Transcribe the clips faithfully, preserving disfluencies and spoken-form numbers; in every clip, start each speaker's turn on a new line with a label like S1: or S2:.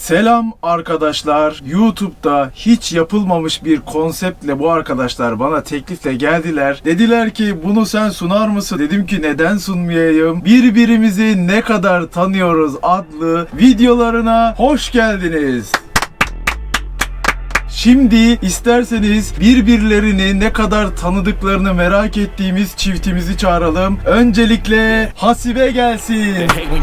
S1: Selam arkadaşlar. YouTube'da hiç yapılmamış bir konseptle bu arkadaşlar bana teklifle geldiler. Dediler ki bunu sen sunar mısın? Dedim ki neden sunmayayım? Birbirimizi ne kadar tanıyoruz adlı videolarına hoş geldiniz. Şimdi isterseniz birbirlerini ne kadar tanıdıklarını merak ettiğimiz çiftimizi çağıralım. Öncelikle Hasibe gelsin.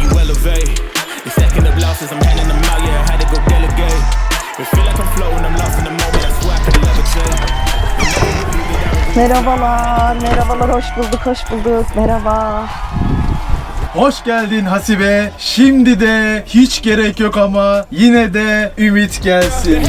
S2: Merhabalar, merhabalar, hoş bulduk, hoş bulduk, merhaba.
S1: Hoş geldin Hasibe. Şimdi de hiç gerek yok ama yine de Ümit gelsin.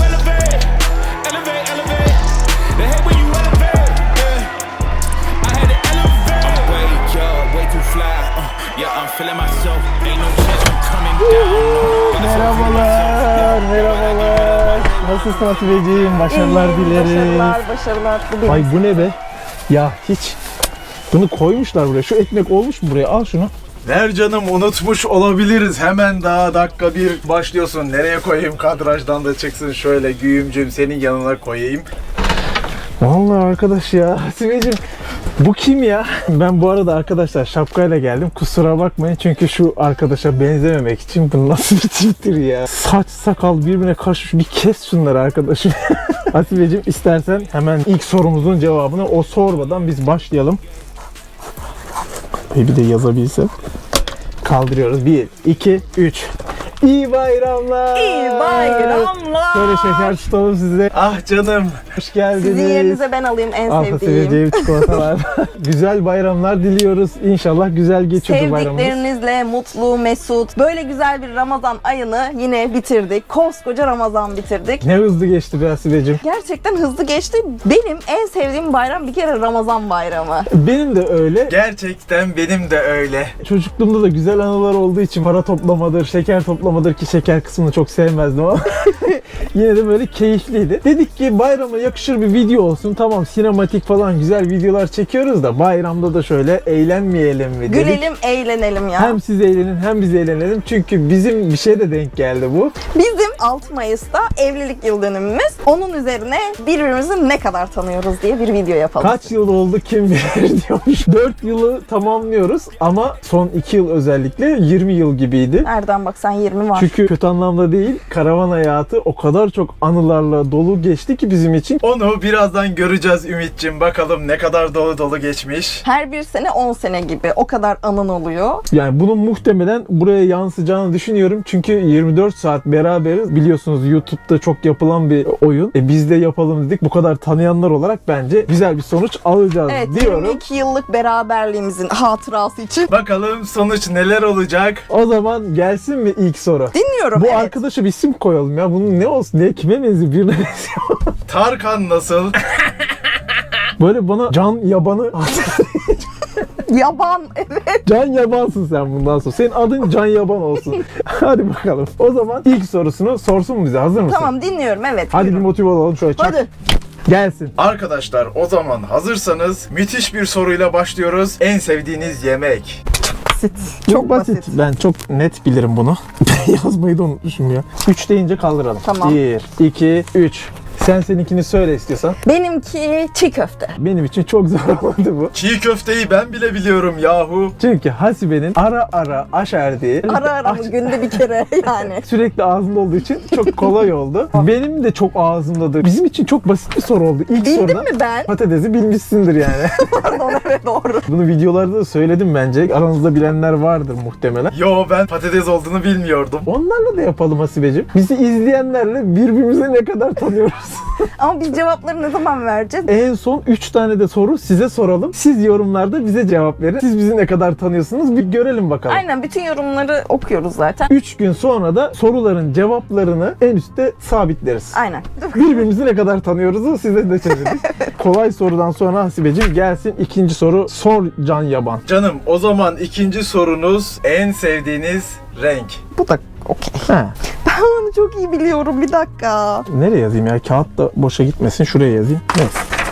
S3: Merhabalar, merhabalar. Nasılsın Hasibeciğim? Başarılar
S2: İyiyim,
S3: dilerim.
S2: Başarılar, başarılar. Bu benim.
S3: Ay bu ne be? Ya hiç. Bunu koymuşlar buraya. Şu ekmek olmuş mu buraya? Al şunu.
S1: Ver canım, unutmuş olabiliriz. Hemen daha dakika bir başlıyorsun. Nereye koyayım? Kadrajdan da çıksın şöyle güğümcüm, senin yanına koyayım.
S3: Vallahi arkadaş ya. Hasibeciğim bu kim ya? Ben bu arada arkadaşlar şapkayla geldim. Kusura bakmayın çünkü şu arkadaşa benzememek için bu nasıl bir tiptir ya? Saç sakal birbirine karışmış. Bir kes şunları arkadaşım. Hasibeciğim istersen hemen ilk sorumuzun cevabını o sormadan biz başlayalım. Bir de yazabilsem. Kaldırıyoruz. bir, iki, üç. İyi bayramlar.
S2: İyi bayramlar.
S3: Şöyle şeker tutalım size.
S1: Ah canım.
S3: Hoş geldiniz.
S2: Sizin yerinize ben alayım en
S3: Al
S2: sevdiğim.
S3: seveceğim çikolatalar. Güzel bayramlar diliyoruz. İnşallah güzel geçiyor bu bayramımız.
S2: Sevdiklerinizle mutlu, mesut, böyle güzel bir Ramazan ayını yine bitirdik. Koskoca Ramazan bitirdik.
S3: Ne hızlı geçti be Hasibeciğim.
S2: Gerçekten hızlı geçti. Benim en sevdiğim bayram bir kere Ramazan bayramı.
S3: Benim de öyle.
S1: Gerçekten benim de öyle.
S3: Çocukluğumda da güzel anılar olduğu için para toplamadır, şeker toplamadır ki şeker kısmını çok sevmezdim ama yine de böyle keyifliydi. Dedik ki bayrama yakışır bir video olsun. Tamam sinematik falan güzel videolar çekiyoruz da bayramda da şöyle eğlenmeyelim mi dedik.
S2: Gülelim, eğlenelim ya.
S3: Hem siz eğlenin hem biz eğlenelim. Çünkü bizim bir şeye de denk geldi bu.
S2: Bizim altı Mayıs'ta evlilik yıl dönümümüz. Onun üzerine birbirimizi ne kadar tanıyoruz diye bir video yapalım.
S3: Kaç yıl oldu kim bilir diyormuş. dört yılı tamamlıyoruz ama son iki yıl özellikle yirmi yıl gibiydi.
S2: Nereden baksan yirmi var.
S3: Çünkü kötü anlamda değil, karavan hayatı o kadar çok anılarla dolu geçti ki bizim için.
S1: Onu birazdan göreceğiz Ümit'cim. Bakalım ne kadar dolu dolu geçmiş.
S2: Her bir sene on sene gibi. O kadar anın oluyor.
S3: Yani bunun muhtemelen buraya yansıyacağını düşünüyorum. Çünkü yirmi dört saat beraberiz. Biliyorsunuz YouTube'da çok yapılan bir oyun. E biz de yapalım dedik. Bu kadar tanıyanlar olarak bence güzel bir sonuç alacağız
S2: Evet,
S3: diyorum.
S2: yirmi iki yıllık beraberliğimizin hatırası için.
S1: Bakalım sonuç neler olacak?
S3: O zaman gelsin mi ilk soru?
S2: Dinliyorum.
S3: Bu
S2: evet.
S3: arkadaşa bir isim koyalım ya. Bunun ne olsun? Ne, kime benziyor? Birine benziyor.
S1: Tarkan nasıl?
S3: Böyle bana can yabanı
S2: Yaban, evet.
S3: Can Yabansın sen bundan sonra. Senin adın Can Yaban olsun. Hadi bakalım. O zaman ilk sorusunu sorsun mu bize? Hazır mısın?
S2: Tamam, dinliyorum, evet.
S3: Hadi bir
S2: buyurun.
S3: motive olalım şöyle. Çak.
S2: Hadi.
S3: Gelsin.
S1: Arkadaşlar o zaman hazırsanız müthiş bir soruyla başlıyoruz. En sevdiğiniz yemek?
S2: Basit.
S3: Çok basit. Ben çok net bilirim bunu. Yazmayı da unutmuşum ya. üç deyince kaldıralım.
S2: Tamam.
S3: bir, iki, üç. Sen seninkini söyle istiyorsan.
S2: Benimki çiğ köfte.
S3: Benim için çok zor oldu bu.
S1: Çiğ köfteyi ben bile biliyorum yahu.
S3: Çünkü Hasibe'nin ara ara aşerdiği,
S2: Ara ara mı? Günde bir kere yani.
S3: sürekli ağzında olduğu için çok kolay oldu. Benim de çok ağzımdadır. Bizim için çok basit bir soru oldu. İlk
S2: Bildim
S3: soruda
S2: mi ben?
S3: patatesi bilmişsindir yani.
S2: Pardon, evet, doğru.
S3: Bunu videolarda da söyledim bence. Aranızda bilenler vardır muhtemelen.
S1: Yo, ben patates olduğunu bilmiyordum.
S3: Onlarla da yapalım Hasibeciğim. Bizi izleyenlerle birbirimizi ne kadar tanıyoruz.
S2: Ama biz cevapları ne zaman vereceğiz?
S3: En son üç tane de soru size soralım. Siz yorumlarda bize cevap verin. Siz bizi ne kadar tanıyorsunuz bir görelim bakalım.
S2: Aynen, bütün yorumları okuyoruz zaten.
S3: üç gün sonra da soruların cevaplarını en üstte sabitleriz.
S2: Aynen.
S3: Birbirimizi ne kadar tanıyoruzu size de çeviririz. Kolay sorudan sonra Hasibeciğim gelsin ikinci soru. Sor Can Yaban.
S1: Canım, o zaman ikinci sorunuz en sevdiğiniz renk.
S2: Bu da okey.
S3: He.
S2: Ben onu çok iyi biliyorum, bir dakika.
S3: Nereye yazayım ya? Kağıt da boşa gitmesin. Şuraya yazayım. Neyse.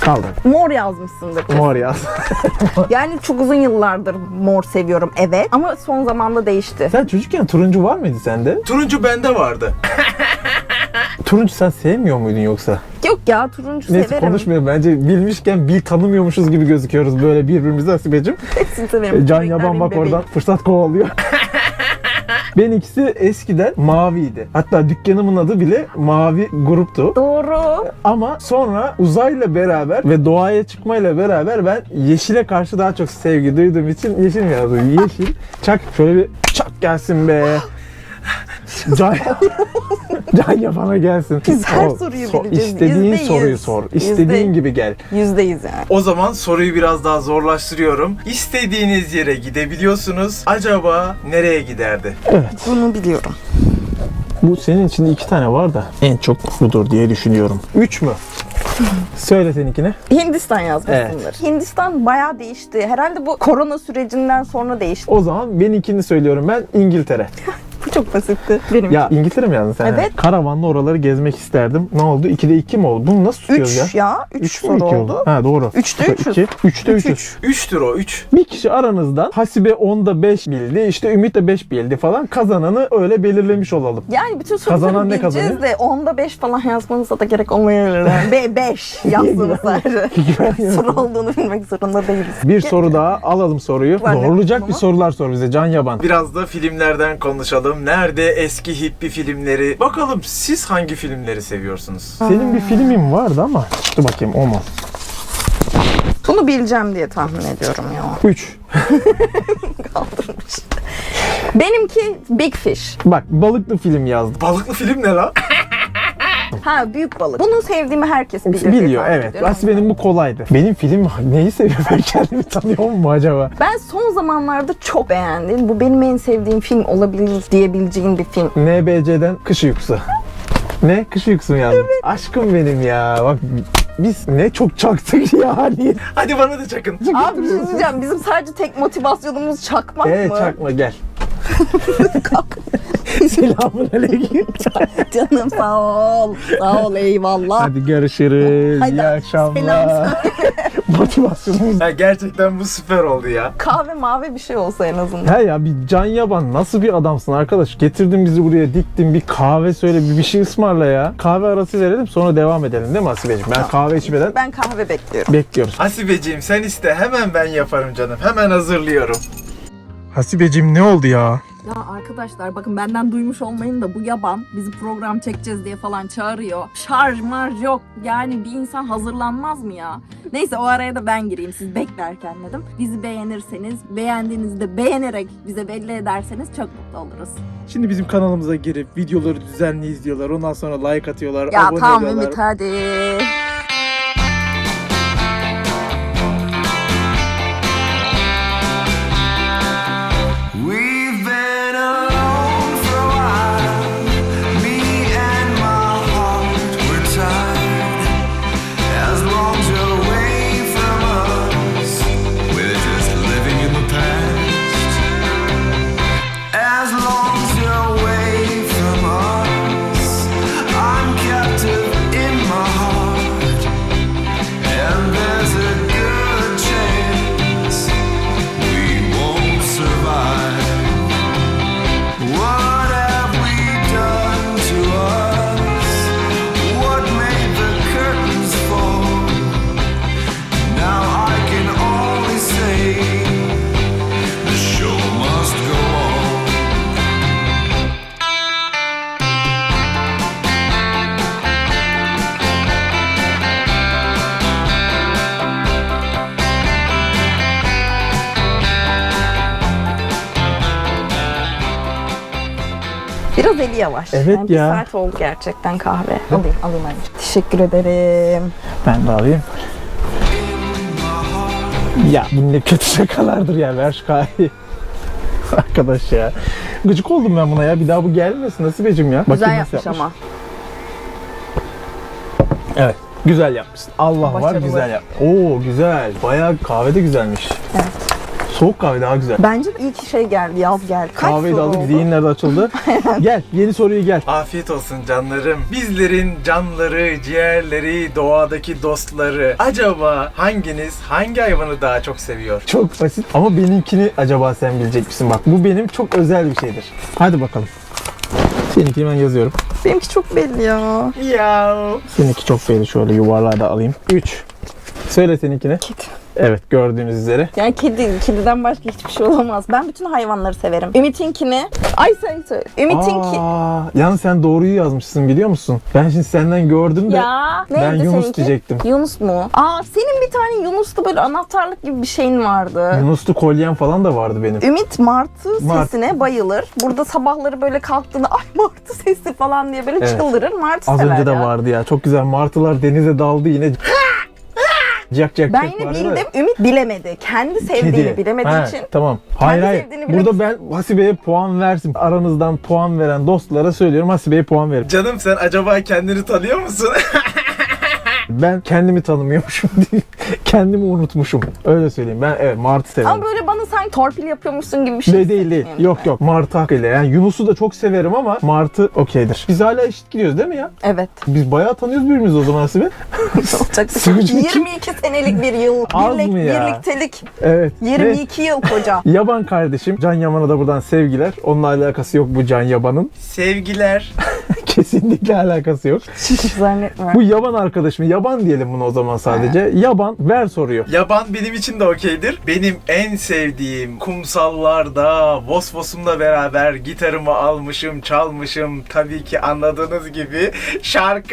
S3: Kaldır.
S2: Mor yazmışsındır. kesin.
S3: Mor yaz.
S2: Yani çok uzun yıllardır mor seviyorum, evet. Ama son zamanda değişti.
S3: Sen çocukken turuncu var mıydı sende?
S1: Turuncu bende vardı.
S3: Turuncu sen sevmiyor muydun yoksa?
S2: Yok ya, turuncu
S3: Neyse
S2: severim.
S3: konuşmayalım. Bence bilmişken bil tanımıyormuşuz gibi gözüküyoruz böyle birbirimize Hasibeciğim.
S2: Hepsini severim.
S3: Can
S2: Renkler
S3: Yaban
S2: benim
S3: bak
S2: bebeğim.
S3: oradan fırsat kovalıyor. Benimkisi eskiden maviydi. Hatta dükkanımın adı bile Mavi Grup'tu.
S2: Doğru.
S3: Ama sonra uzayla beraber ve doğaya çıkmayla beraber ben yeşile karşı daha çok sevgi duyduğum için yeşil mi yazdım? Yeşil. Çak şöyle bir çak gelsin be. Can, Can Yaban'a gelsin.
S2: Biz her
S3: Sor,
S2: soruyu
S3: sor.
S2: bileceğiz.
S3: İstediğin
S2: Yüzde yüz.
S3: soruyu sor. İstediğin
S2: Yüzde-
S3: gibi gel.
S2: Yüzdeyiz yani.
S1: O zaman soruyu biraz daha zorlaştırıyorum. İstediğiniz yere gidebiliyorsunuz. Acaba nereye giderdi?
S2: Bunu biliyorum.
S3: Bu senin içinde iki tane var da en çok budur diye düşünüyorum. Üç mü? Söyle seninkine.
S2: Hindistan yazmışsındır. Hindistan bayağı değişti. Herhalde bu korona sürecinden sonra değişti.
S3: O zaman benimkini söylüyorum ben, İngiltere.
S2: Bu çok basitti. Benim
S3: Ya İngiltere mi yazdın sen?
S2: Evet.
S3: Karavanla oraları gezmek isterdim. Ne oldu? ikide iki mi oldu? Bunu nasıl tutuyoruz ya?
S2: Üç ya. Üç,
S3: Üç mü
S2: soru
S3: iki
S2: oldu.
S3: Ha doğru.
S2: Üçte üçüz.
S3: iki. Üçte
S2: Üç,
S3: üçüz.
S2: üç.
S1: Üçtür o, üç.
S3: Bir kişi aranızdan Hasibe onda beş bildi, işte Ümit de beş bildi falan. Kazananı öyle belirlemiş olalım.
S2: Yani bütün
S3: Kazanan
S2: soruları
S3: ne
S2: bileceğiz
S3: kazanıyor?
S2: de onda beş falan yazmanıza da gerek olmayabilir. Yani Be beş yazdınız sadece. Soru olduğunu bilmek zorunda değiliz.
S3: Bir soru daha alalım soruyu.
S2: Var ne?
S3: Zorlayacak bir
S2: Tamam.
S3: sorular sor bize Can Yaban.
S1: Biraz da filmlerden konuşalım. Nerede eski hippi filmleri? Bakalım siz hangi filmleri seviyorsunuz?
S3: Senin bir filmin vardı ama dur bakayım o mu?
S2: Bunu bileceğim diye tahmin ediyorum ya.
S3: Üç.
S2: Kaldırmış. Benimki Big Fish.
S3: Bak balıklı film yazdım.
S1: Balıklı film ne lan?
S2: Ha, büyük balık. Bunu sevdiğimi herkes bilir. diye
S3: Biliyor
S2: tahmin
S3: evet.
S2: ediyorum.
S3: Aslında benim bu kolaydı. Benim film neyi seviyor ben kendimi tanıyor mu acaba?
S2: Ben son zamanlarda çok beğendim. Bu benim en sevdiğim film olabilir diyebileceğin bir film.
S3: N B C'den Kış Uykusu. Ne? Kış Uykusu mu yazdın? Aşkım benim ya. Bak biz ne çok çaktık ya. Niye?
S1: Hadi bana da çakın.
S2: Abi bir şey diyeceğim. Bizim sadece tek motivasyonumuz çakmak
S3: Evet
S2: mı?
S3: çakma gel.
S2: Kalk.
S3: Selamun aleyküm.
S2: Canım sağ ol. Sağ ol, eyvallah.
S3: Hadi görüşürüz.
S2: Haydi,
S3: İyi akşamlar.
S2: selam
S3: Motivasyonumuz.
S1: Ya gerçekten bu süper oldu ya.
S2: Kahve mavi bir şey olsa en azından.
S3: He ya bir Can Yaban nasıl bir adamsın arkadaş? Getirdin bizi buraya, diktin, bir kahve söyle, bir, bir şey ısmarla ya. Kahve arası verelim sonra devam edelim değil mi Hasibeciğim? Ben kahve içmeden
S2: Ben kahve bekliyorum.
S3: bekliyoruz.
S1: Hasibeciğim sen iste, hemen ben yaparım canım. Hemen hazırlıyorum.
S3: Hasibeciğim ne oldu ya?
S2: Ya arkadaşlar bakın, benden duymuş olmayın da bu yaban bizi program çekeceğiz diye falan çağırıyor. Şarj marj yok. Yani bir insan hazırlanmaz mı ya? Neyse, o araya da ben gireyim siz beklerken dedim. Bizi beğenirseniz, beğendiğinizde beğenerek bize belli ederseniz çok mutlu oluruz.
S3: Şimdi bizim kanalımıza girip videoları düzenli izliyorlar. Ondan sonra like atıyorlar,
S2: Ya
S3: abone
S2: tamam
S3: oluyorlar.
S2: Ümit, hadi.
S4: We've been alone for a while. Me and my heart were tired. As long as you're away from us, we're just living in the past. As long as you're away from us, I'm captive in my heart. And there's a good chance we won't survive. What have we done to us? What made the curtains fall? Now I can only say the show must go on.
S2: Biraz eli yavaş.
S3: Evet
S2: Yani bir
S3: ya.
S2: saat oldu gerçekten kahve. Alayım, alayım önce. Teşekkür ederim.
S3: Ben de alayım. Ya bu ne kötü şakalardır ya, ver şu kahveyi. Arkadaş ya. Gıcık oldum ben buna ya. Bir daha bu gelmesin Hasibeciğim ya.
S2: Güzel
S3: Bakayım nasıl
S2: yapmış ama.
S3: Evet. Güzel yapmışsın. Allah var
S2: Başarılı.
S3: güzel yap. Oo güzel. Bayağı kahve de güzelmiş.
S2: Evet.
S3: Soğuk kahve daha güzel.
S2: Bence de iyi ki şey geldi, yaz geldi. Kaç
S3: Kahveyi de
S2: soru
S3: aldık,
S2: oldu?
S3: zihinler de açıldı. Gel, yeni soruyu gel.
S1: Afiyet olsun canlarım. Bizlerin canları, ciğerleri, doğadaki dostları. Acaba hanginiz hangi hayvanı daha çok seviyor?
S3: Çok basit ama benimkini acaba sen bilecek misin? Bak bu benim çok özel bir şeydir. Hadi bakalım. Seninkini ben yazıyorum.
S2: Benimki çok belli ya.
S1: Miau.
S3: Seninki çok belli. Şöyle yuvarlağı da alayım. üç. Söyle seninkini.
S2: Kedi.
S3: Evet, gördüğünüz üzere.
S2: Yani kedi, kediden başka hiçbir şey olamaz. Ben bütün hayvanları severim. Ümit'inkini, ay sen söyle. Ümit'inki.
S3: Aa, yalnız sen doğruyu yazmışsın biliyor musun? Ben şimdi senden gördüm de
S2: Ya
S3: ben
S2: neydi
S3: Yunus
S2: seninki?
S3: diyecektim.
S2: Yunus mu? Aa senin bir tane Yunus'ta böyle anahtarlık gibi bir şeyin vardı.
S3: Yunuslu kolyem falan da vardı benim.
S2: Ümit martı
S3: Mart.
S2: sesine bayılır. Burada sabahları böyle kalktığında ay martı sesi falan diye böyle
S3: Evet.
S2: çıldırır. Martı
S3: Az
S2: sever
S3: önce de
S2: ya.
S3: vardı ya. Çok güzel martılar denize daldı yine. Cak cak
S2: Ben
S3: cak
S2: yine
S3: vardı
S2: bildim.
S3: da.
S2: Ümit bilemedi. Kendi sevdiğini
S3: Kedi.
S2: bilemediği
S3: Ha,
S2: için.
S3: Tamam. Hayır hayır.
S2: sevdiğini bile-
S3: Burada ben Hasibe'ye puan versin. Aranızdan puan veren dostlara söylüyorum. Hasibe'ye puan verin.
S1: Canım sen acaba kendini tanıyor musun?
S3: Ben kendimi tanımıyormuşum diye. Kendimi unutmuşum. Öyle söyleyeyim. Ben evet martı severim.
S2: Ama böyle bana sanki torpil yapıyormuşsun gibi bir şey.
S3: Değil değil değil.
S2: hissetmiyorum
S3: Yok
S2: ben.
S3: yok. Martı hakkıyla. Yani Yunus'u da çok severim ama Martı okeydir. Biz hala eşit gidiyoruz değil mi ya?
S2: Evet.
S3: Biz bayağı tanıyoruz birbirimizi o zaman Hasibe.
S2: Olacak bir şey.
S3: Sürücü kim?
S2: yirmi iki senelik bir yıl.
S3: Az
S2: Birlik,
S3: mı ya?
S2: Birliktelik.
S3: Evet.
S2: yirmi
S3: Ve
S2: iki yıl koca.
S3: Yaban kardeşim. Can Yaman'a da buradan sevgiler. Onunla alakası yok bu Can Yaban'ın.
S1: Sevgiler.
S3: Kesinlikle alakası yok.
S2: Hiç zannetmiyorum.
S3: Bu yaban arkadaşım. Yaban diyelim bunu o zaman sadece. Yaban ver soruyor.
S1: Yaban benim için de okeydir. Benim en sevdiğim kumsallarda Vosvos'umla beraber gitarımı almışım, çalmışım. Tabii ki anladığınız gibi şarkı.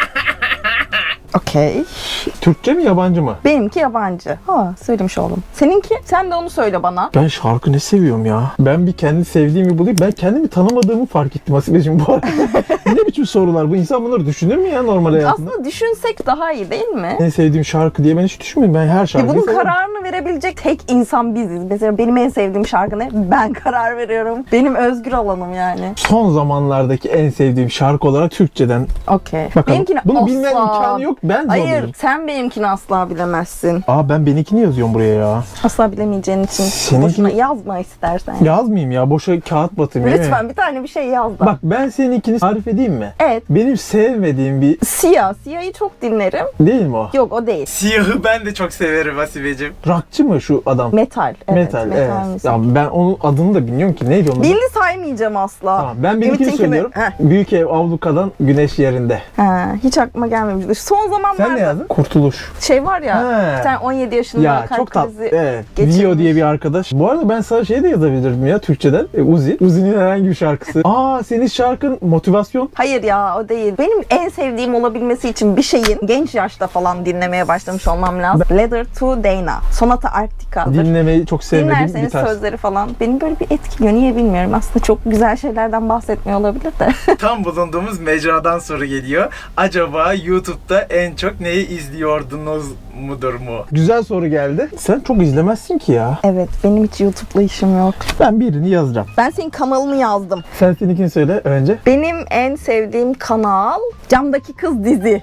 S2: Okey.
S3: Türkçe mi yabancı mı?
S2: Benimki yabancı. Ha söylemiş oldum. Seninki? Sen de onu söyle bana.
S3: Ben şarkı ne seviyorum ya. Ben bir kendi sevdiğimi bulayım. Ben kendimi tanımadığımı fark ettim Hasibe'cim bu arada. Ne biçim sorular bu? İnsan bunları düşünür mü ya normal hayatında?
S2: Aslında düşünsek daha iyi değil mi?
S3: En sevdiğim şarkı diye ben hiç düşünmüyorum. Ben her
S2: Ya
S3: şarkıyı
S2: bunun
S3: severim.
S2: kararını verebilecek tek insan biziz. Mesela benim en sevdiğim şarkı ne? Ben karar veriyorum. Benim özgür alanım yani.
S3: Son zamanlardaki en sevdiğim şarkı olarak Türkçeden.
S2: Okey.
S3: Bakalım.
S2: Benimkini
S3: Bunu
S2: asla...
S3: bilmenin imkanı yok. Ben
S2: Hayır,
S3: zorluyorum.
S2: sen benimkini asla bilemezsin.
S3: Aa ben benimkini yazıyorum buraya ya.
S2: Asla bilemeyeceğin için
S3: Seninkini-
S2: boşuna yazma istersen.
S3: Yazmayayım ya. Boşa kağıt batayım. değil mi?
S2: Lütfen bir tane bir şey yaz da.
S3: Bak ben seninkini tarif edeyim mi?
S2: Evet.
S3: Benim sevmediğim bir
S2: Siyah. Siyah'ı çok dinlerim.
S3: değil mi o?
S2: Yok o değil.
S1: Siyahı ben de çok severim Hasibeciğim.
S3: Rockçı mı şu adam?
S2: Metal. Evet,
S3: Metal, evet.
S2: müzik.
S3: Ya ben onun adını da bilmiyorum ki. Neydi onun adı?
S2: Bildi saymayacağım asla.
S3: Tamam, ben benimkini
S2: Ümit'inkini-
S3: söylüyorum.
S2: Heh.
S3: Büyük ev avlukadan güneş yerinde.
S2: Ha, hiç aklıma gelmemiştir. Son zamanlarda
S3: Sen ne yazdın? Kurtuluş.
S2: şey var ya,
S3: He.
S2: bir tane on yedi yaşında
S3: Ya
S2: kalp
S3: çok tatlı.
S2: krizi
S3: Evet.
S2: geçirmiş.
S3: Leo diye bir arkadaş. Bu arada ben sana şey de yazabilirdim ya Türkçeden. E, Uzi. Uzi'nin herhangi bir şarkısı. Aa senin şarkın motivasyon.
S2: Hayır ya o değil. Benim en sevdiğim olabilmesi için bir şeyin genç yaşta falan dinlemeye başlamış olmam lazım. Letter to Dana. Sonata Arctica'dır.
S3: Dinlemeyi çok sevmediğim bir
S2: Dinlerseniz
S3: tarz.
S2: sözleri falan beni böyle bir etkiliyor. Niye bilmiyorum. Aslında çok güzel şeylerden bahsetmiyor olabilir de.
S1: Tam bulunduğumuz mecradan soru geliyor. Acaba YouTube'da en çok neyi izliyordunuz mudur mu?
S3: Güzel soru geldi. Sen çok izlemezsin ki ya.
S2: Evet benim hiç YouTube'la işim yok.
S3: Ben birini yazacağım.
S2: Ben senin kanalını yazdım.
S3: Sen seninkini söyle önce.
S2: Benim en sevdiğim kanal Camdaki Kız dizi.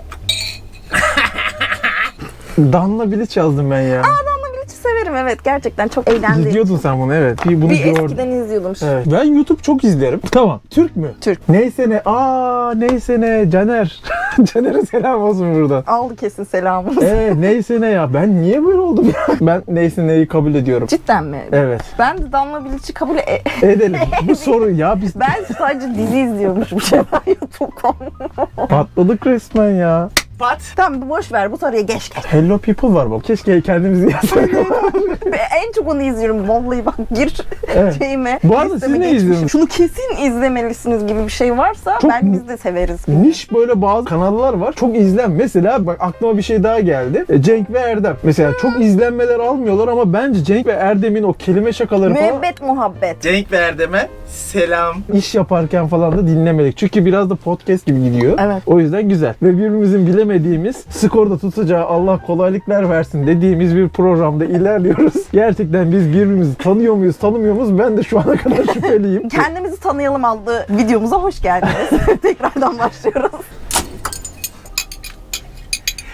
S3: Danla Bilic yazdım ben ya.
S2: Hiç severim evet gerçekten çok eğlendim.
S3: İzliyordun sen bunu evet. Bir bunu
S2: Bir
S3: gördüm.
S2: eskiden izliyordum.
S3: Evet. Ben YouTube çok izlerim. Tamam. Türk mü?
S2: Türk.
S3: Neyse ne. Aa neyse ne. Caner. Caner'e selam olsun buradan.
S2: Aldı kesin selamını.
S3: Ee neyse ne ya. Ben niye böyle oldum ya? Ben neyse neyi kabul ediyorum.
S2: Cidden mi?
S3: Evet.
S2: Ben de Damla Bilic'i kabul e-
S3: Edelim. Bu soru ya biz
S2: Ben sadece dizi izliyormuşum şeyler YouTube.com.
S3: patladık resmen ya.
S1: Pat.
S2: Tamam boş ver bu soruya geç geç.
S3: Hello People var bak. Keşke kendimizi yazsaydık.
S2: En çok onu izliyorum. Vallahi bak gir
S3: Evet.
S2: şeyime.
S3: Bu arada
S2: listeme
S3: siz ne
S2: geçmişim.
S3: izliyorsunuz?
S2: Şunu kesin izlemelisiniz gibi bir şey varsa
S3: Çok
S2: ben
S3: mu-
S2: biz de severiz.
S3: Niş böyle bazı kanallar var. Çok izlen. Mesela bak aklıma bir şey daha geldi. E, Cenk ve Erdem. Mesela çok izlenmeler almıyorlar ama bence Cenk ve Erdem'in o kelime şakaları falan
S2: Müebbet muhabbet.
S1: Cenk ve Erdem'e selam.
S3: iş yaparken falan da dinlemedik. Çünkü biraz da podcast gibi gidiyor.
S2: Evet.
S3: O yüzden güzel. Ve birbirimizin bilemediğimiz, skorda tutacağı Allah kolaylıklar versin dediğimiz bir programda ilerliyoruz. Gerçekten biz birbirimizi tanıyor muyuz, tanımıyor muyuz? Ben de şu ana kadar şüpheliyim.
S2: Kendimizi tanıyalım adlı videomuza hoş geldiniz. Tekrardan başlıyoruz.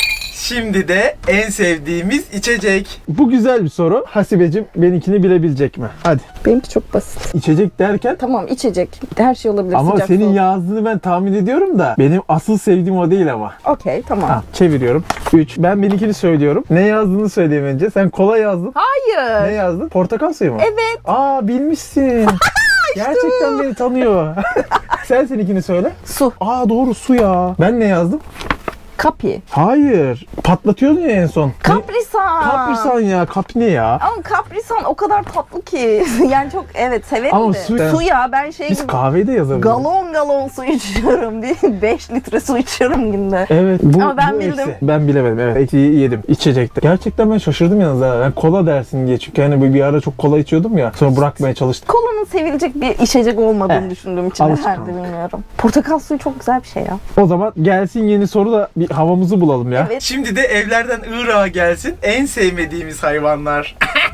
S1: Şimdi de en sevdiğimiz içecek.
S3: Bu güzel bir soru. Hasibeciğim benimkini bilebilecek mi? Hadi.
S2: Benimki çok basit.
S3: İçecek derken
S2: Tamam, içecek. Her şey olabilir.
S3: ama
S2: sıcak,
S3: senin
S2: soğuk.
S3: yazdığını ben tahmin ediyorum da benim asıl sevdiğim o değil ama.
S2: Okey, tamam.
S3: Ha, çeviriyorum. üç. Ben benimkini söylüyorum. Ne yazdığını söyleyeyim önce. Sen kola yazdın.
S2: Hayır.
S3: Ne yazdın? Portakal suyu mu?
S2: Evet.
S3: Aa bilmişsin. Gerçekten beni tanıyor. Sen seninkini söyle.
S2: Su.
S3: Aa doğru su ya. Ben ne yazdım?
S2: Kapi.
S3: Hayır. Patlatıyordun ya en son.
S2: Kaprisan.
S3: Kaprisan ya. Kapi ne ya?
S2: Ama kaprisan o kadar tatlı ki. Yani çok evet severim
S3: Ama
S2: de.
S3: su-
S2: Su ya ben şey
S3: Biz
S2: gibi
S3: kahveyi de yazarız.
S2: galon galon su içiyorum değil mi? beş litre su içiyorum günde.
S3: Evet bu,
S2: Ama ben
S3: bu
S2: bildim.
S3: eksi. Ben bilemedim evet. Eksiği yedim. İçecekte. Gerçekten ben şaşırdım yalnız ha. Ben kola dersin diye. Çünkü hani bir ara çok kola içiyordum ya. Sonra bırakmaya çalıştım.
S2: Kolanın sevilecek bir içecek olmadığını
S3: Evet.
S2: düşündüğüm için
S3: Alışkanlık.
S2: herhalde bilmiyorum. Portakal suyu çok güzel bir şey ya.
S3: O zaman gelsin yeni soru da bir havamızı bulalım ya.
S2: Evet.
S1: Şimdi de evlerden Irak'a gelsin en sevmediğimiz hayvanlar.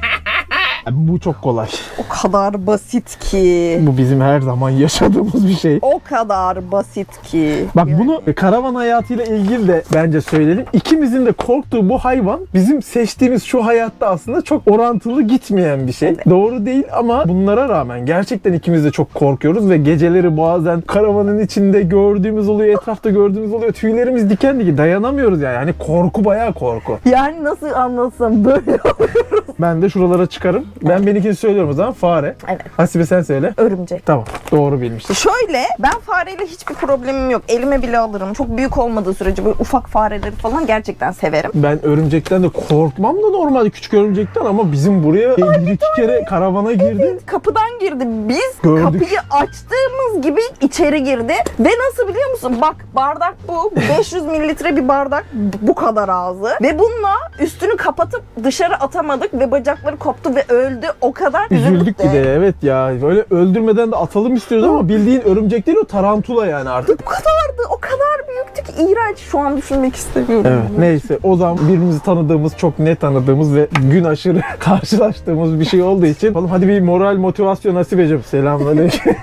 S3: Bu çok kolay.
S2: O kadar basit ki.
S3: Bu bizim her zaman yaşadığımız bir şey.
S2: O kadar basit ki.
S3: Bak
S2: Yani.
S3: bunu karavan hayatıyla ilgili de bence söyleyelim. İkimizin de korktuğu bu hayvan bizim seçtiğimiz şu hayatta aslında çok orantılı gitmeyen bir şey. Doğru değil ama bunlara rağmen gerçekten ikimiz de çok korkuyoruz ve geceleri bazen karavanın içinde gördüğümüz oluyor, etrafta gördüğümüz oluyor. Tüylerimiz diken diken dayanamıyoruz yani. Hani korku bayağı korku.
S2: Yani nasıl anlatsam böyle
S3: Ben de şuralara çıkarım. Ben benimkini söylüyorum o zaman. Fare.
S2: Evet.
S3: Hasibe sen söyle.
S2: örümcek.
S3: Tamam. Doğru bilmiştim.
S2: Şöyle ben fareyle hiçbir problemim yok. Elime bile alırım. Çok büyük olmadığı sürece böyle ufak fareleri falan gerçekten severim.
S3: Ben örümcekten de korkmam da normalde küçük örümcekten ama bizim buraya bir iki kere karavana girdi.
S2: Kapıdan girdi. Biz
S3: Gördük.
S2: kapıyı açtığımız gibi içeri girdi. Ve nasıl biliyor musun? Bak bardak bu. beş yüz mililitre bir bardak. Bu kadar ağzı. Ve bununla üstünü kapatıp dışarı atamadık ve bacakları koptu ve öldü. O kadar
S3: Üzüldük
S2: de.
S3: bir de evet ya. Böyle öldürmeden de atalım istiyoruz ama bildiğin örümcek değil o tarantula yani artık.
S2: Bu kadardı. O kadar büyüktü ki iğrenç. Şu an düşünmek istemiyorum.
S3: Evet neyse o zaman birbirimizi tanıdığımız çok net tanıdığımız ve gün aşırı karşılaştığımız bir şey olduğu için oğlum hadi bir moral motivasyon Hasibeciğim. Selamünaleyküm.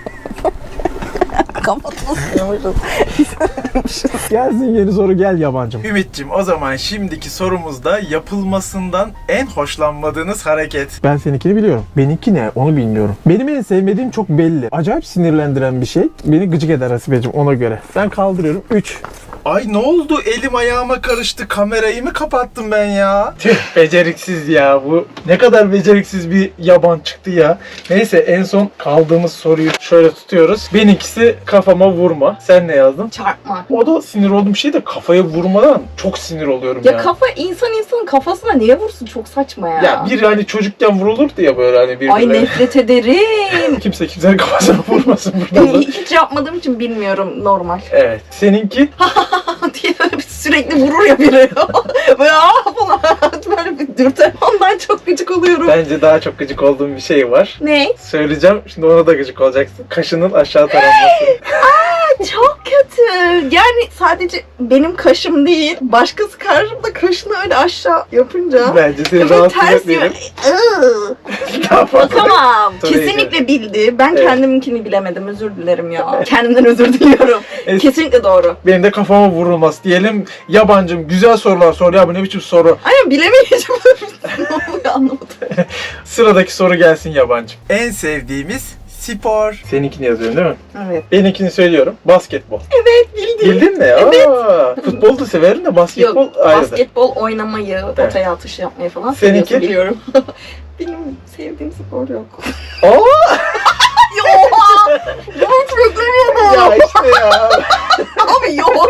S2: Kapatmışız.
S3: Gelsin yeni soru gel yabancım.
S1: Ümit'cim o zaman şimdiki sorumuzda yapılmasından en hoşlanmadığınız hareket.
S3: Ben seninkini biliyorum. Benimki ne? Onu bilmiyorum. Benim en sevmediğim çok belli. Acayip sinirlendiren bir şey. Beni gıcık eder Hasibeciğim ona göre. Ben kaldırıyorum. üç.
S1: Ay ne oldu? Elim ayağıma karıştı. Kamerayı mı kapattım ben ya?
S3: Tüh beceriksiz ya bu. Ne kadar beceriksiz bir yaban çıktı ya. Neyse en son kaldığımız soruyu şöyle tutuyoruz. Benimkisi kafama vurma. Sen ne yazdın?
S2: Çarpma.
S3: O da sinir olduğum bir şey de kafaya vurmadan çok sinir oluyorum ya.
S2: Ya kafa insan insanın kafasına niye vursun? Çok saçma ya.
S3: Ya bir hani çocukken vurulurdu ya böyle hani bir
S2: Ay nefret ederim.
S3: kimse kimsenin kafasına vurmasın burada da.
S2: Hiç yapmadığım için bilmiyorum normal.
S3: Evet. Seninki?
S2: diye böyle bir sürekli vurur ya biri. Böyle aa falan böyle bir dürter. Ondan çok gıcık oluyorum.
S3: Bence daha çok gıcık olduğum bir şey var.
S2: Ne?
S3: Söyleyeceğim. Şimdi ona da gıcık olacaksın. Kaşının aşağı taranması.
S2: Çok kötü. Yani sadece benim kaşım değil, başkası karşımda kaşını öyle aşağı yapınca
S3: Bence seni
S2: böyle
S3: rahatsız
S2: ters
S3: etmeyelim.
S2: Iıı.
S3: Daha fazla.
S2: Bakamam.
S3: Tabii
S2: Kesinlikle bildi. Ben
S3: Evet.
S2: kendiminkini bilemedim. Özür dilerim ya. Kendimden özür diliyorum.
S3: Evet.
S2: Kesinlikle doğru.
S3: Benim de kafama vurulmaz diyelim. Yabancım güzel sorular sor ya bu ne biçim soru.
S2: Ay bilemeyeceğim. Ne oluyor anlamadım.
S3: Sıradaki soru gelsin yabancım.
S1: En sevdiğimiz spor.
S3: Seninkini yazıyorum değil mi?
S2: Evet.
S3: Benimkini söylüyorum. Basketbol.
S2: Evet bildim.
S3: Bildin mi? Evet. Aa, futbolu da severim de basketbol
S2: Yok,
S3: ayrıdır.
S2: basketbol oynamayı, potaya atış yapmayı falan
S3: Seninki?
S2: seviyorsun biliyorum. Benim sevdiğim spor yok.
S3: Aa!
S2: Yok! Yok beklemiyordum.
S3: Ya işte ya.
S2: Abi yok.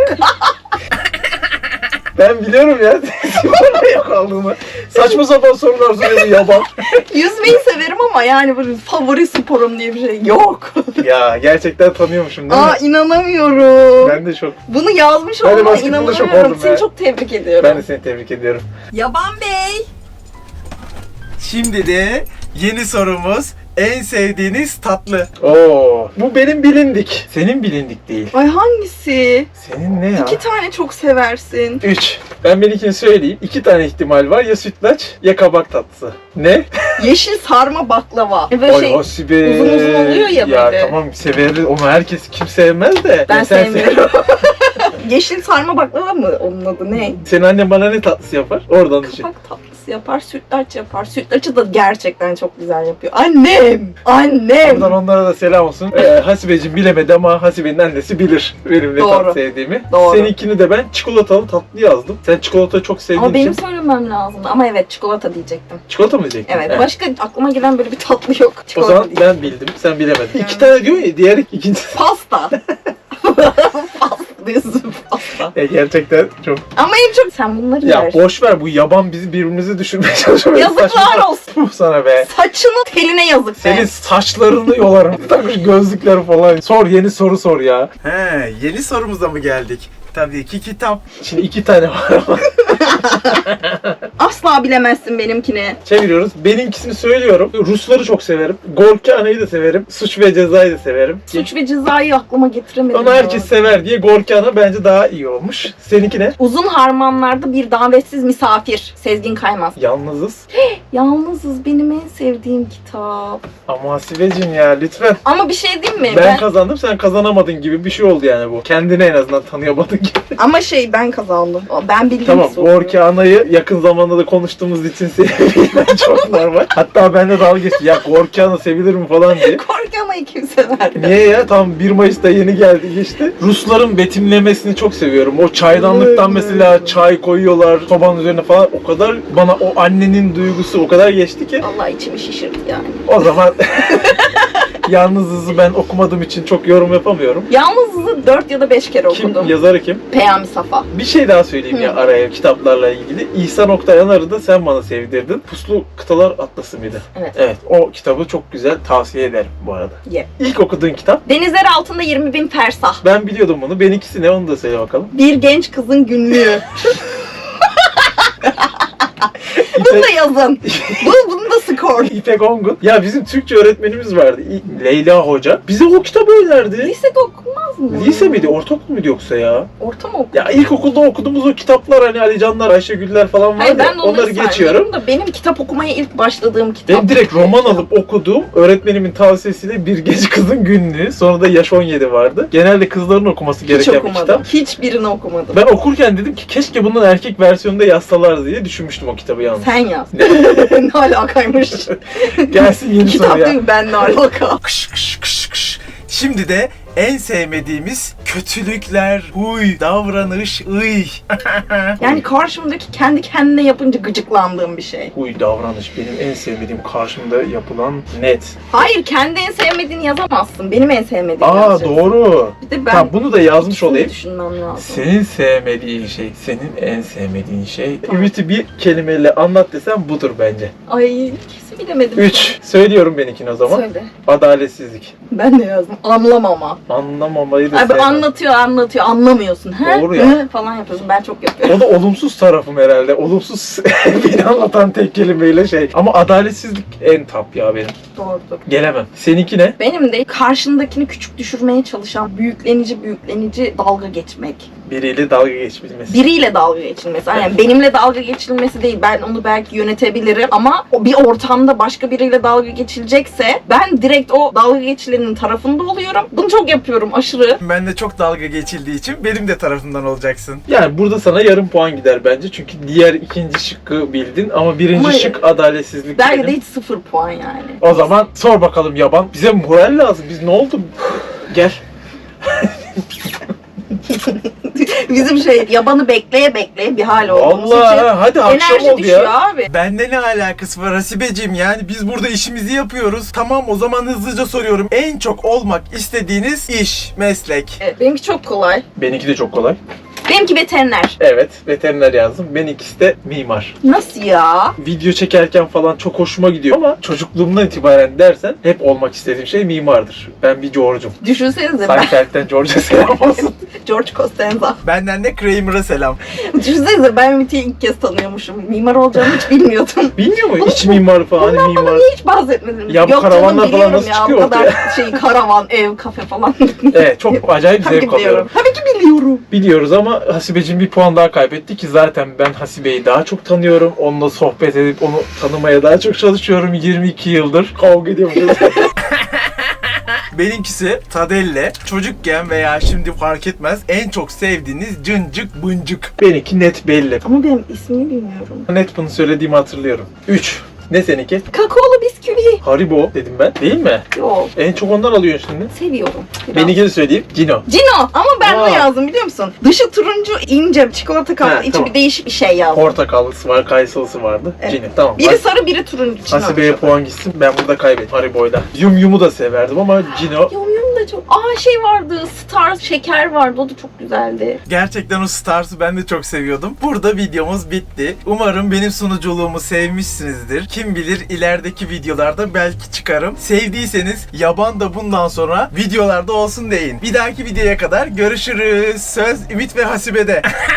S3: Ben biliyorum ya. Sporla yok olduğunu. Saçma sapan sorular soruyordu yaban.
S2: Yüzmeyi severim ama yani böyle favori sporum diye bir şey yok.
S3: Ya gerçekten tanıyormuşum değil mi?
S2: Aa inanamıyorum.
S3: Ben de çok.
S2: Bunu yazmış
S3: Ben de
S2: olmama
S3: basketbolda çok
S2: inanamıyorum.
S3: oldum
S2: Seni
S3: ya.
S2: çok tebrik ediyorum.
S3: Ben de seni tebrik ediyorum.
S2: Yaban Bey.
S1: Şimdi de yeni sorumuz en sevdiğiniz tatlı.
S3: Oo, bu benim bilindik. Senin bilindik değil.
S2: Ay hangisi?
S3: Senin ne ya?
S2: İki tane çok seversin.
S3: Üç. Ben benimkini söyleyeyim. İki tane ihtimal var. Ya sütlaç ya kabak tatlısı. Ne?
S2: Yeşil sarma baklava. E böyle
S3: Ay
S2: şey,
S3: Hasibe.
S2: uzun uzun oluyor ya
S3: Ya
S2: böyle.
S3: tamam severiz. Onu herkes kim sevmez de.
S2: ben
S3: Ya sen
S2: sevmiyorum. Yeşil sarma baklava mı onun adı ne?
S3: Senin annen bana ne tatlısı yapar? Oradan düşün.
S2: Kapak tatlısı yapar, sütlaç yapar. Sütlaçı da gerçekten çok güzel yapıyor. Annem! Annem!
S3: Buradan onlara da selam olsun. Ee, Hasibeciğim bilemedi ama Hasibe'nin annesi bilir benim ne
S2: Doğru.
S3: tatlı sevdiğimi.
S2: Doğru.
S3: Seninkini de ben çikolatalı tatlı yazdım. Sen çikolatayı çok sevdiğin
S2: Ama benim
S3: için.
S2: söylemem lazımdı. Ama evet çikolata diyecektim.
S3: Çikolata mı diyecektin?
S2: Evet. Başka aklıma gelen böyle bir tatlı yok.
S3: O
S2: Çikolata
S3: zaman
S2: diyeceğim.
S3: ben bildim, sen bilemedin.
S2: Yani.
S3: İki tane diyor ya, diğer ikincisi.
S2: Pasta. Pasta diyorsun pasta.
S3: E, gerçekten çok.
S2: Ama en çok sen bunları
S3: Ya
S2: yer.
S3: boş ver, bu yaban bizi birbirimize düşürmeye çalışıyor.
S2: Yazıklar
S3: Saçma-
S2: olsun.
S3: Puh sana be.
S2: Saçının teline yazık
S3: Senin
S2: be.
S3: saçlarını yolarım. Takmış gözlükleri falan. Sor, yeni soru sor ya.
S1: He, yeni sorumuza mı geldik? Tabii ki kitap.
S3: Şimdi iki tane var ama.
S2: Asla bilemezsin benimkini.
S3: Çeviriyoruz. Benimkisini söylüyorum. Rusları çok severim. Gorkana'yı da severim. Suç ve Ceza'yı da severim.
S2: Suç ve Ceza'yı aklıma getiremedim.
S3: Onu
S2: ya.
S3: herkes sever diye Gorkana bence daha iyi olmuş. Seninki ne?
S2: Uzun Harmanlarda Bir Davetsiz Misafir. Sezgin Kaymaz.
S3: Yalnızız.
S2: Yalnızız benim en sevdiğim kitap.
S3: Ama Hasibeciğim ya lütfen.
S2: Ama bir şey diyeyim mi?
S3: Ben kazandım, sen kazanamadın gibi bir şey oldu yani bu. Kendini en azından tanıyamadın gibi.
S2: Ama şey ben kazandım. O, Ben bildim.
S3: Tamam,
S2: soruyu.
S3: Gorkana'yı yakın zamanda da konuştuğumuz için sevilmen çok normal. Hatta ben de dalga geçtim. Ya Gorkana sevilir mi falan diye.
S2: Korkamayı kim sever?
S3: Niye ya? Tam bir Mayıs'ta yeni geldi geçti. Rusların betimlemesini çok seviyorum. O çaydanlıktan mesela çay koyuyorlar sobanın üzerine falan. O kadar bana o annenin duygusu o kadar geçti ki.
S2: Allah içimi şişirdi yani.
S3: O zaman Yalnızız'ı ben okumadığım için çok yorum yapamıyorum.
S2: Yalnızız'ı dört ya da beş kere
S3: Kim,
S2: okudum.
S3: yazarı kim?
S2: Peyami Safa.
S3: Bir şey daha söyleyeyim ya
S2: Hı.
S3: araya kitaplarla ilgili. İhsan Oktay Yanar'ı da sen bana sevdirdin. Puslu Kıtalar Atlası mıydı?
S2: Evet.
S3: Evet, o kitabı çok güzel, tavsiye ederim bu arada.
S2: Ye.
S3: İlk okuduğun kitap.
S2: Denizler altında yirmi bin fersah.
S3: Ben biliyordum bunu. Benimkisi ne, onu da söyle bakalım.
S2: Bir genç kızın günlüğü. Bunu da yazın. Bu, bunu da skor.
S3: İpek Ongun. Ya bizim Türkçe öğretmenimiz vardı. İ- Leyla Hoca. Bize o kitabı önerdi.
S2: Lisede okunmaz mı?
S3: Lise miydi? Ortaokul muydu yoksa ya?
S2: Orta mı okudun?
S3: Ya ilkokulda okuduğumuz o kitaplar hani Ali Canlar, Ayşegüller falan var
S2: Hayır
S3: ya,
S2: ben de onları,
S3: onları geçiyorum.
S2: saymıyorum da benim kitap okumaya ilk başladığım kitap.
S3: Ben direkt roman alıp okuduğum, öğretmenimin tavsiyesiyle Bir Genç Kızın Günlüğü, sonra da Yaş on yedi vardı. Genelde kızların okuması
S2: Hiç
S3: gereken bir
S2: okumadım.
S3: kitap.
S2: Hiçbirini okumadım.
S3: Ben okurken dedim ki keşke bunun erkek versiyonunda yazsalar diye düşünmüştüm o kitabı yalnız.
S2: Sen yaz. ne alakaymış?
S3: Gelsin yeni soru
S2: Kitap
S3: ya.
S2: değil mi? Ben ne alaka?
S1: Kış kış kış kış. Şimdi de en sevmediğimiz kötülükler, huy, davranış, ıy.
S2: Yani karşımdaki kendi kendine yapınca gıcıklandığım bir şey.
S3: Huy davranış benim en sevmediğim, karşımda yapılan net.
S2: Hayır kendi en sevmediğini yazamazsın. Benim en sevmediğim
S3: Aa
S2: yazacaksın.
S3: doğru.
S2: Bir de ben
S3: Tamam bunu da yazmış
S2: ikisini
S3: olayım.
S2: düşünmem lazım.
S3: Senin sevmediğin şey, senin en sevmediğin şey. Ümit'i bir kelimeyle anlat desem budur bence.
S2: Ay kesin bilemedim.
S3: Üç. Söylüyorum benimkini o zaman.
S2: Söyle.
S3: Adaletsizlik.
S2: Ben de yazdım. Anlamama.
S3: Anlamamayı da
S2: Abi
S3: sevmem.
S2: anlatıyor anlatıyor anlamıyorsun. He?
S3: Doğru ya.
S2: He? Falan yapıyorsun. Ben çok yapıyorum.
S3: O da olumsuz tarafım herhalde. Olumsuz beni anlatan tek kelimeyle şey. Ama adaletsizlik en top ya benim.
S2: Doğrudur.
S3: Gelemem. Seninki ne?
S2: Benim de karşındakini küçük düşürmeye çalışan büyüklenici büyüklenici dalga geçmek.
S3: Biriyle dalga geçbilmesi.
S2: Biriyle dalga geçilmesi. Yani benimle dalga geçilmesi değil. Ben onu belki yönetebilirim ama o bir ortamda başka biriyle dalga geçilecekse ben direkt o dalga geçilenin tarafında oluyorum. Bunu çok yapıyorum aşırı.
S1: Ben de çok dalga geçildiği için benim de tarafımdan olacaksın.
S3: Yani burada sana yarım puan gider bence. Çünkü diğer ikinci şıkkı bildin ama birinci
S2: Ama
S3: şık adaletsizlik
S2: Belki
S3: benim.
S2: de hiç sıfır puan yani.
S3: O zaman sor bakalım yaban. Bize moral lazım. Biz ne oldu? Gel.
S2: Bizim şey yabanı bekleye bekleye bir hal olduğumuz
S3: Allah
S2: için
S3: hadi akşam
S2: enerji
S3: oldu
S2: düşüyor
S3: ya.
S2: abi.
S1: Bende ne alakası var Hasibeciğim, yani biz burada işimizi yapıyoruz. Tamam o zaman hızlıca soruyorum. En çok olmak istediğiniz iş, meslek.
S2: Evet, benimki çok kolay.
S3: Benimki de çok kolay.
S2: Benimki veteriner.
S3: Evet, veteriner yazdım. Benimkisi de mimar.
S2: Nasıl ya?
S3: Video çekerken falan çok hoşuma gidiyor ama çocukluğumdan itibaren dersen hep olmak istediğim şey mimardır. Ben bir George'um.
S2: Düşünsenize ben
S3: Seinfeld'den George'a selam olsun.
S2: George Costanza.
S1: Benden de Kramer'a selam.
S2: Düşünsenize ben Ümit'i ilk kez tanıyormuşum. Mimar olacağını hiç bilmiyordum.
S3: Bilmiyor mu? İç mimar falan, hani
S2: Bundan
S3: mimar.
S2: bana niye hiç bahsetmediniz?
S3: Ya bu
S2: Yok
S3: karavanlar
S2: canım,
S3: falan
S2: biliyorum
S3: nasıl
S2: ya,
S3: çıkıyor
S2: o kadar
S3: ortaya?
S2: şey karavan, ev, kafe falan.
S3: Evet, çok acayip
S2: Tabii ki
S3: zevk alıyorum.
S2: biliyorum. Tabii ki biliyorum.
S3: Biliyoruz ama Hasibeciğim bir puan daha kaybetti ki zaten ben Hasibe'yi daha çok tanıyorum. Onunla sohbet edip onu tanımaya daha çok çalışıyorum yirmi iki yıldır. Kavga ediyoruz.
S1: Benimkisi Tadelle. Çocukken veya şimdi fark etmez en çok sevdiğiniz cıncık bıncık. Benimki net belli.
S2: Ama benim ismini bilmiyorum.
S1: Net bunu söylediğimi hatırlıyorum. üç. Ne seninki?
S2: Kakaolu bisküvi.
S1: Haribo dedim ben. Değil mi?
S2: Yok.
S1: En çok ondan alıyorsun şimdi.
S2: Seviyorum. Biraz.
S1: Benimkini söyleyeyim. Cino.
S2: Cino. Ama ben
S1: Aa.
S2: ne yazdım biliyor musun? Dışı turuncu, ince çikolata kaplı,
S1: Ha,
S2: içi
S1: tamam.
S2: bir değişik bir şey yazdım.
S1: Portakallısı var, kayısılısı vardı.
S2: Evet.
S1: Cino. Tamam.
S2: Biri sarı, biri turuncu. Cino.
S1: Hasibe'ye puan gitsin. Ben burada kaybettim Haribo'yla. Yum Yum'u da severdim ama Cino.
S2: Yum Yum da çok... Aa şey vardı, Stars şeker vardı. O da çok güzeldi.
S1: Gerçekten o Stars'ı ben de çok seviyordum. Burada videomuz bitti. Umarım benim sunuculuğumu sevmişsinizdir. Kim bilir ilerideki videolarda belki çıkarım. Sevdiyseniz yaban da bundan sonra videolarda olsun deyin. Bir dahaki videoya kadar görüşürüz. Söz Ümit ve Hasibe'de.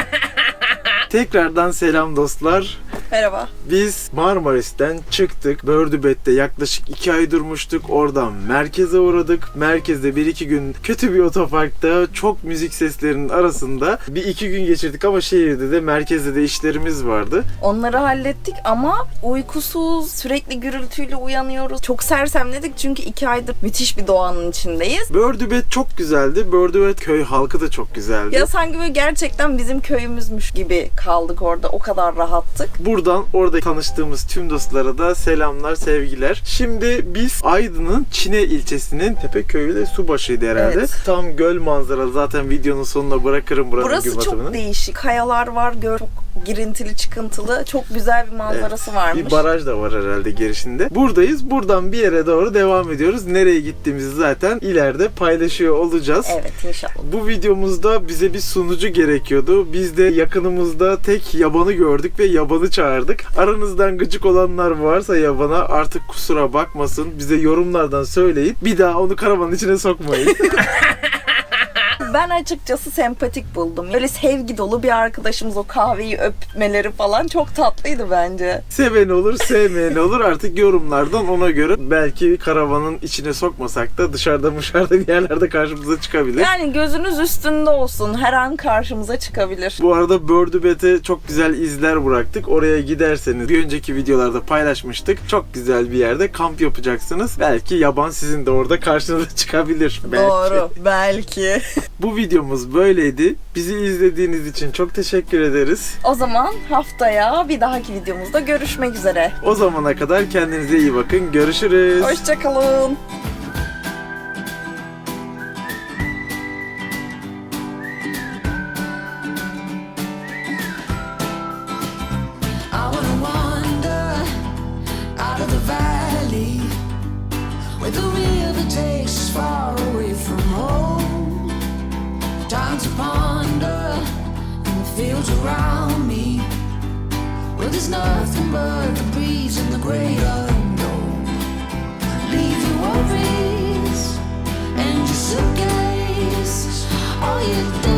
S1: Tekrardan selam dostlar.
S2: Merhaba.
S1: Biz Marmaris'ten çıktık. Bördübet'te yaklaşık iki ay durmuştuk. Oradan merkeze uğradık. Merkezde bir iki gün kötü bir otoparkta çok müzik seslerinin arasında bir iki gün geçirdik ama şehirde de merkezde de işlerimiz vardı.
S2: Onları hallettik ama uykusuz, sürekli gürültüyle uyanıyoruz. Çok sersemledik çünkü iki aydır müthiş bir doğanın içindeyiz.
S1: Bördübet çok güzeldi. Bördübet köy halkı da çok güzeldi.
S2: Ya sanki böyle gerçekten bizim köyümüzmüş gibi kaldık orada. O kadar rahattık.
S1: Buradan orada tanıştığımız tüm dostlara da selamlar, sevgiler. Şimdi biz Aydın'ın Çine ilçesinin Tepeköy'ü de Subaşı'ydı herhalde.
S2: Evet.
S1: Tam göl manzaralı. Zaten videonun sonuna bırakırım buranın
S2: Burası
S1: gün batımını.
S2: çok değişik. Kayalar var, göl çok girintili çıkıntılı. Çok güzel bir manzarası varmış.
S1: Bir baraj da var herhalde girişinde. Buradayız. Buradan bir yere doğru devam ediyoruz. Nereye gittiğimizi zaten ileride paylaşıyor olacağız.
S2: Evet inşallah.
S1: Bu videomuzda bize bir sunucu gerekiyordu. Biz de yakınımızda tek yabanı gördük ve yabanı çağırdık. Aranızdan gıcık olanlar varsa yabana artık kusura bakmasın. Bize yorumlardan söyleyin. Bir daha onu karavanın içine sokmayın.
S2: Ben açıkçası sempatik buldum. Böyle sevgi dolu bir arkadaşımız, o kahveyi öpmeleri falan çok tatlıydı bence.
S1: Seven olur, sevmeyen olur. Artık yorumlardan ona göre belki karavanın içine sokmasak da dışarıda dışarıda bir yerlerde karşımıza çıkabilir.
S2: Yani gözünüz üstünde olsun. Her an karşımıza çıkabilir.
S1: Bu arada Bördübet'e çok güzel izler bıraktık. Oraya giderseniz bir önceki videolarda paylaşmıştık. Çok güzel bir yerde kamp yapacaksınız. Belki yaban sizin de orada karşınıza çıkabilir. Belki.
S2: Doğru. Belki.
S1: Bu videomuz böyleydi. Bizi izlediğiniz için çok teşekkür ederiz.
S2: O zaman haftaya bir dahaki videomuzda görüşmek üzere.
S1: O zamana kadar kendinize iyi bakın. Görüşürüz.
S2: Hoşçakalın.
S5: I wanna wander out of the valley where the river takes us far away from home. Time to ponder in the fields around me where there's nothing but the breeze and the great unknown. Leave your worries and your suitcase, all you do.